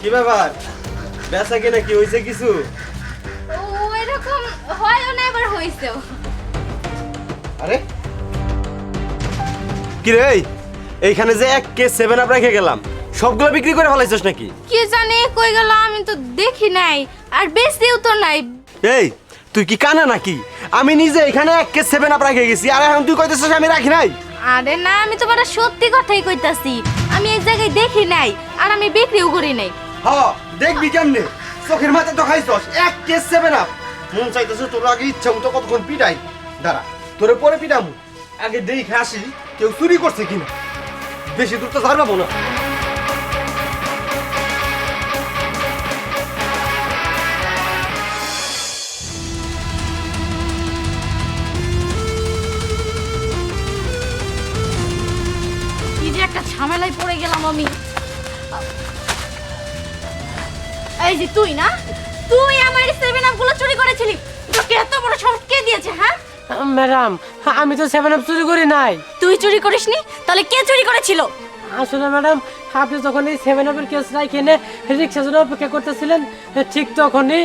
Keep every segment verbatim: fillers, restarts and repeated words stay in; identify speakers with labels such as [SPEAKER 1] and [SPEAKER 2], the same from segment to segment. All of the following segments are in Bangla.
[SPEAKER 1] কি ব্যাপার বেচা কিনা কি হয়েছে কিছু?
[SPEAKER 2] ও এরকম হয়ও না এবার হইছেও।
[SPEAKER 1] আরে কি রে এইখানে যে এক কেস সেভেন আপ রেখে গেলাম সবগুলো বিক্রি করে ফেলাইছস নাকি?
[SPEAKER 2] কি জানি কই গেল আমি তো দেখি নাই আর বেশিও তো নাই।
[SPEAKER 1] এই তুই কি কানা নাকি? আমি নিজে এখানে এক কেস সেভেন আপ রেখে গেছি আর এখন তুই কইতেছস আমি রাখি নাই?
[SPEAKER 2] আরে না আমি তোমার সত্যি কথাই কইতাছি, আমি এই জায়গায় দেখি নাই আর আমি বিক্রিও করি নাই।
[SPEAKER 1] হ্যাঁ দেখবি কেমনে চোখের মাথা তো খাইছস এক কেস সেভেন আপ। মন চাইতেছে তোর আগে ইচ্ছা মতো কতক্ষণ পিটাই, দাঁড়া তোরে পরে পিটামু, আগে দেখে আসি কেউ চুরি করছে কিনা। বেশি দূর তো ঝাড়বাবো না।
[SPEAKER 2] কি যে একটা ঝামেলায় পড়ে গেলাম আমি। এই যে তুই না, তুই আমার সেভেন আপ গুলো চুরি করেছিলি, তোকে এত বড় সাহস কে দিয়েছে? হ্যাঁ
[SPEAKER 3] ম্যাডাম, আমি তো সেভেন আপ চুরি করি নাই।
[SPEAKER 2] তুই চুরি করিসনি, তাহলে কে চুরি করেছিল?
[SPEAKER 3] আসলে ম্যাডাম, আপনি যখন এই সেভেন আপের কেস রাখে এনে রিক্সার জন্য অপেক্ষা করতেছিলেন, ঠিক তখনই।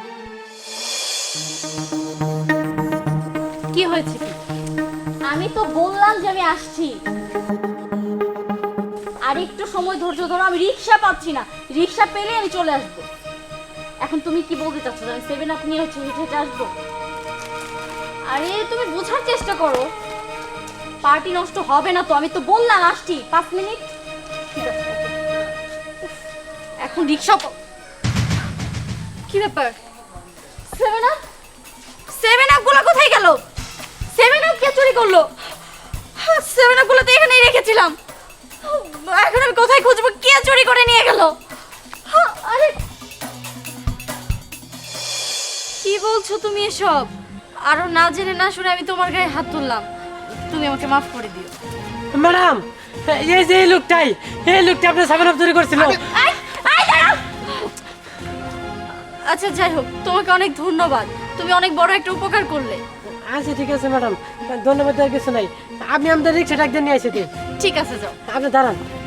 [SPEAKER 2] কি হয়েছে কি? আমি তো বললাম যে আমি আসছি, আর একটু সময় ধৈর্য ধরো, আমি রিক্সা পাচ্ছি না, রিক্সা পেলে আমি চলে আসবো। এখন তুমি কি বলতে চাচ্ছ? আমি সেভেন আপ নিয়ে হচ্ছে হেঁটে হেঁটে আসবো? আরে তুমি বোঝার চেষ্টা করো, পার্টি নষ্ট হবে না তো, আমি তো বললাম আসছি পাঁচ মিনিট। ঠিক আছে উফ, এখন রিক্সা কি ব্যাপার? সেভেন আপ সেভেন আপ গুলো কোথায় গেল? সেভেন আপ কে চুরি করলো? সেভেন আপ গুলো তো এখানেই রেখেছিলাম, এখন আমি কোথায় খুঁজবো? কে চুরি করে নিয়ে গেল? আরে কি বলছো তুমি এসব? আরো না জেনে না শুনে আমি তোমার গায়ে হাত তুললাম, তুমি আমাকে মাফ করে দিও।
[SPEAKER 3] ম্যাডাম, এই যে এই লোকটাই, এই লোকটা আপনার সেভেন আপ চুরি করছিল।
[SPEAKER 2] আই, আই, দাঁড়াও। আচ্ছা যাই হোক, তোমাকে অনেক ধন্যবাদ, তুমি অনেক বড় একটা উপকার করলে।
[SPEAKER 3] আচ্ছা ঠিক আছে ম্যাডাম, ধন্যবাদ আর কিছু নাই। আপনি আমাদের রিক্সাটা একদিন নিয়ে এসে দিন।
[SPEAKER 2] ঠিক আছে যাও।
[SPEAKER 3] আপনি দাঁড়ান।